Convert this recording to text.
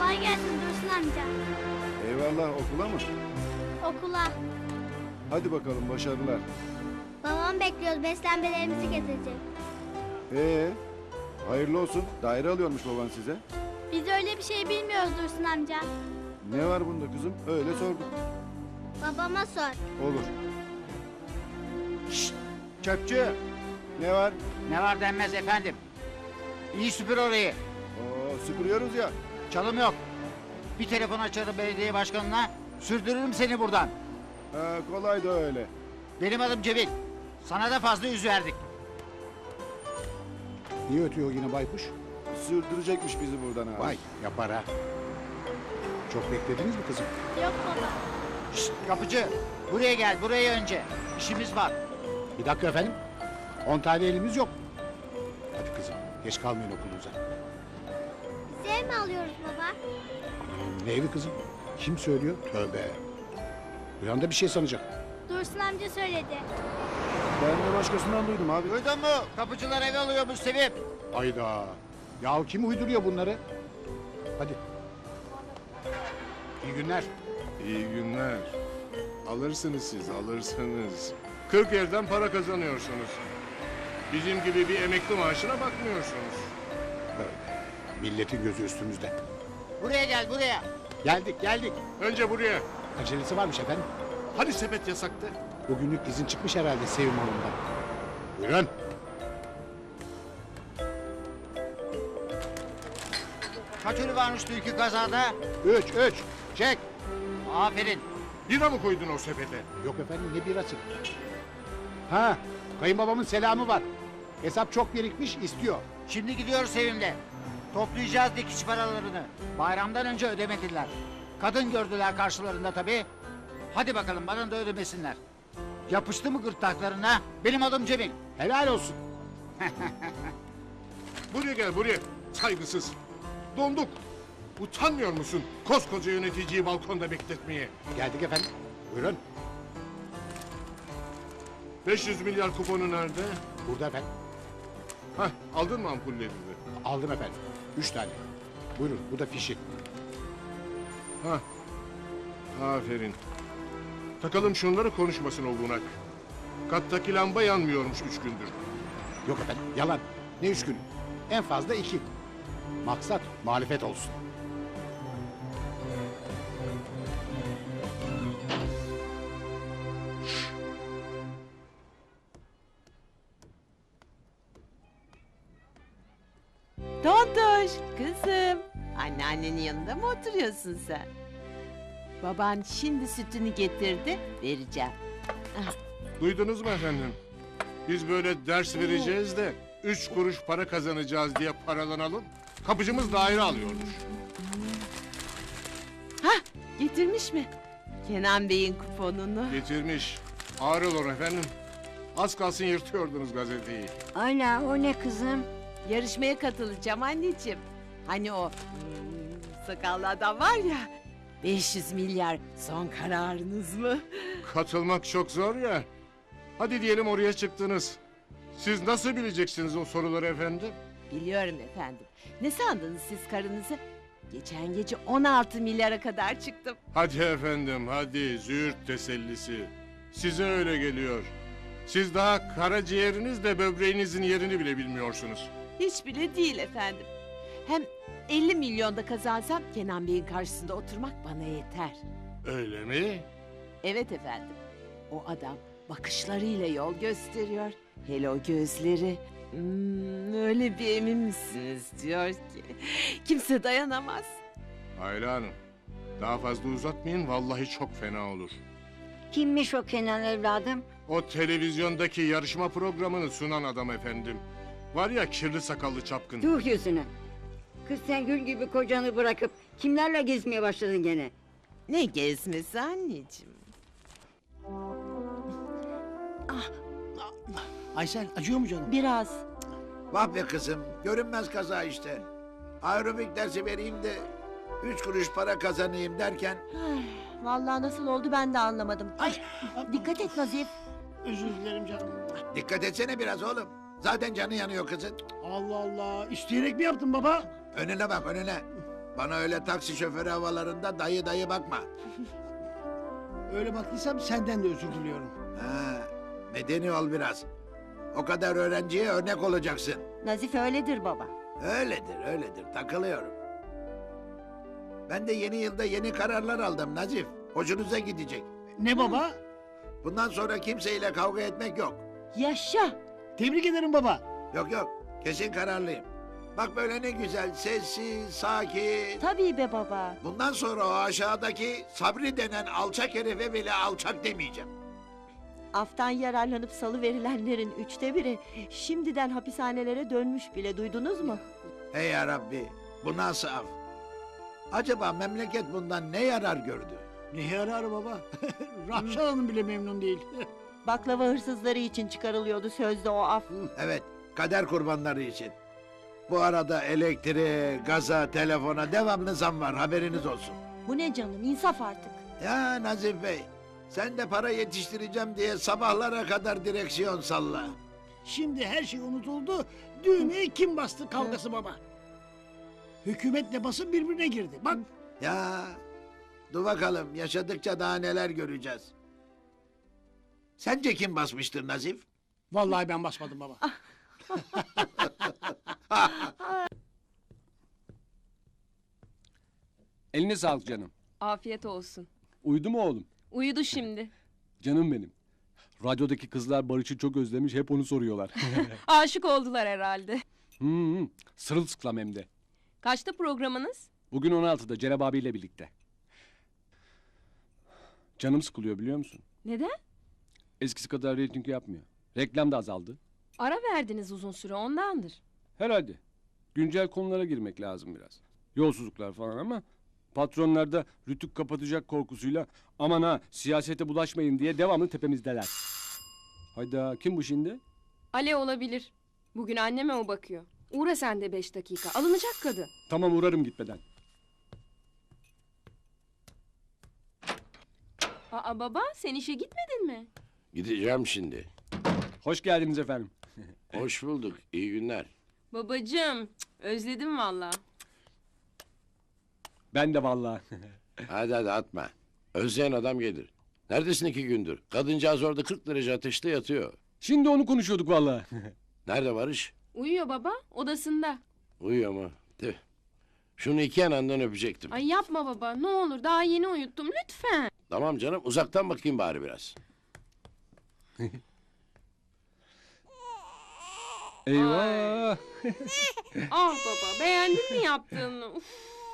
Kolay gelsin Dursun amca. Eyvallah, okula mı? Okula. Hadi bakalım, başarılar. Babam bekliyoruz. Beslenmelerimizi getirecek. Hayırlı olsun. Daire alıyormuş baban size. Biz öyle bir şey bilmiyoruz Dursun amca. Ne var bunda kızım? Öyle sorduk. Babama sor. Olur. Şşt! Çöpçü! Ne var? Ne var denmez efendim. İyi süpür orayı. Süpürüyoruz ya. Çalım yok. Bir telefon açarım belediye başkanına. Sürdürürüm seni buradan. Kolay da öyle. Benim adım Cemil. Sana da fazla yüz verdik. Niye ötüyor yine baykuş? Sürdürecekmiş bizi buradan abi. Vay yapar ha. Çok beklediniz mi kızım? Yok baba. Şşt, kapıcı. Buraya gel, buraya önce. İşimiz var. Bir dakika efendim. 10 tane elimiz yok. Hadi kızım geç kalmayın okulunuza. Biz ev mi alıyoruz baba? Ne evi kızım? Kim söylüyor? Tövbe. Bir anda bir şey sanacak. Dursun amca söyledi. Ben de başkasından duydum abi. Duydun mu? Kapıcılar ev alıyormuş Sevim. Hayda. Ya kim uyduruyor bunları? Hadi. İyi günler. İyi günler. Alırsınız siz, alırsınız. 40 yerden para kazanıyorsunuz. Bizim gibi bir emekli maaşına bakmıyorsunuz. Evet. Milletin gözü üstümüzde. Buraya gel, buraya. Geldik. Önce buraya. Acelesi varmış efendim. Hadi sepet yasaktı. Bugünlük izin çıkmış herhalde Sevim Hanım'dan. Buyurun. Kaç ölü varmış dünkü kazada? 3. Çek. Aferin. Bira mı koydun o sepete? Yok efendim ne birası? Ha, kayınbabamın selamı var. Hesap çok birikmiş istiyor. Şimdi gidiyoruz Sevim'le. Toplayacağız dikiş paralarını. Bayramdan önce ödemediler. Kadın gördüler karşılarında tabii. Hadi bakalım bana da ödemesinler. Yapıştı mı gırtlaklarına? Benim adım Cemil. Helal olsun. Buraya gel, buraya. Saygısız. Donduk. Utanmıyor musun koskoca yöneticiyi balkonda bekletmeye? Geldik efendim. Buyurun. 500 milyar kuponu nerede? Burada efendim. Hah, aldın mı ampullerini? Aldım efendim. 3 tane. Buyurun bu da fişi. Hah, aferin. Takalım şunları konuşmasın o bunak. Kattaki lamba yanmıyormuş 3 gündür. Yok efendim yalan. Ne 3 gün? En fazla 2. Maksat muhalefet olsun. Tontoş, kızım. Anneannenin yanında mı oturuyorsun sen? Baban şimdi sütünü getirdi, vereceğim. Duydunuz mu efendim? Biz böyle ders vereceğiz de 3 kuruş para kazanacağız diye paralanalım. Kapıcımız daire alıyormuş. Hah, getirmiş mi? Kenan Bey'in kuponunu. Getirmiş. Ağır olur efendim. Az kalsın yırtıyordunuz gazeteyi. Ayla o ne kızım? Yarışmaya katılacağım anneciğim. Hani o sakallı adam var ya. 500 milyar son kararınız mı? Katılmak çok zor ya. Hadi diyelim oraya çıktınız. Siz nasıl bileceksiniz o soruları efendim? Biliyorum efendim. Ne sandınız siz karınızı? Geçen gece 16 milyara kadar çıktım. Hadi efendim hadi züğürt tesellisi. Size öyle geliyor. Siz daha karaciğerinizle böbreğinizin yerini bile bilmiyorsunuz. Hiç bile değil efendim. Hem 50 milyonda kazansam Kenan Bey'in karşısında oturmak bana yeter. Öyle mi? Evet efendim. O adam bakışlarıyla yol gösteriyor. Hele o gözleri. Öyle bir emin misiniz diyor ki. Kimse dayanamaz. Ayla Hanım. Daha fazla uzatmayın vallahi çok fena olur. Kimmiş o Kenan evladım? O televizyondaki yarışma programını sunan adam efendim. Var ya kirli sakallı çapkın. Tuh yüzüne. Kız sen gül gibi kocanı bırakıp kimlerle gezmeye başladın gene? Ne gezmesi anneciğim. Aysel acıyor mu canım? Biraz. Vah be kızım, görünmez kaza işte. Aerobik dersi vereyim de 3 kuruş para kazanayım derken... Vallahi nasıl oldu ben de anlamadım. Ay, Dikkat et Nazif. özür dilerim canım. Dikkat etsene biraz oğlum. Zaten canı yanıyor kızın. Allah Allah, isteyerek mi yaptın baba? Önüne bak önüne. Bana öyle taksi şoförü havalarında dayı dayı bakma. Öyle baktıysam senden de özür diliyorum. Ha, medeni ol biraz. O kadar öğrenciye örnek olacaksın. Nazif öyledir baba. Öyledir, takılıyorum. Ben de yeni yılda yeni kararlar aldım Nazif. Hoşunuza gidecek. Ne baba? Bundan sonra kimseyle kavga etmek yok. Yaşa. Tebrik ederim baba. Yok, kesin kararlıyım. Bak böyle ne güzel, sessiz, sakin. Tabii be baba. Bundan sonra o aşağıdaki Sabri denen alçak herife bile alçak demeyeceğim. Aftan yararlanıp salı verilenlerin 1/3'ü şimdiden hapishanelere dönmüş bile, duydunuz mu? Hey ya Rabbi, bu nasıl af? Acaba memleket bundan ne yarar gördü? Ne yarar baba? Rahşan Hanım bile memnun değil. Baklava hırsızları için çıkarılıyordu sözde o af. Evet, kader kurbanları için. Bu arada elektriğe, gaza, telefona devamlı zam var, haberiniz olsun. Bu ne canım, insaf artık. Ya Nazif Bey, sen de para yetiştireceğim diye sabahlara kadar direksiyon salla. Şimdi her şey unutuldu. Düğmeye kim bastı kavgası baba. Hükümetle basın birbirine girdi. Bak Ya, dur bakalım, yaşadıkça daha neler göreceğiz. Sence kim basmıştır Nazif? vallahi ben basmadım baba. Eline sağlık canım. Afiyet olsun. Uyudu mu oğlum? Uyudu şimdi. Canım benim. Radyodaki kızlar Barış'ı çok özlemiş, hep onu soruyorlar. Aşık oldular herhalde. Sırılsıklam hem de. Kaçta programınız? Bugün 16'da Cereb abiyle birlikte. Canım sıkılıyor biliyor musun? Neden? Eskisi kadar reyting yapmıyor. Reklam da azaldı. Ara verdiniz uzun süre ondandır. Herhalde. Güncel konulara girmek lazım biraz. Yolsuzluklar falan ama patronlar da rütük kapatacak korkusuyla aman ha siyasete bulaşmayın diye devamlı tepemizdeler. Hayda kim bu şimdi? Ale olabilir. Bugün anneme o bakıyor. Uğra sen de 5 dakika. Alınacak kadın. Tamam uğrarım gitmeden. Aa baba sen işe gitmedin mi? Gideceğim şimdi. Hoş geldiniz efendim. Hoş bulduk. İyi günler. Babacığım özledim valla. Ben de vallahi. Hadi atma. Özleyen adam gelir. Neredesin 2 gündür? Kadıncağız orada 40 derece ateşte yatıyor. Şimdi onu konuşuyorduk vallahi. Nerede Barış? Uyuyor baba odasında. Uyuyor mu? Tüh. Şunu 2 yanından öpecektim. Ay yapma baba ne olur daha yeni uyuttum lütfen. Tamam canım uzaktan bakayım bari biraz. Eyvah. Ah baba beğendin mi yaptığını? Uf.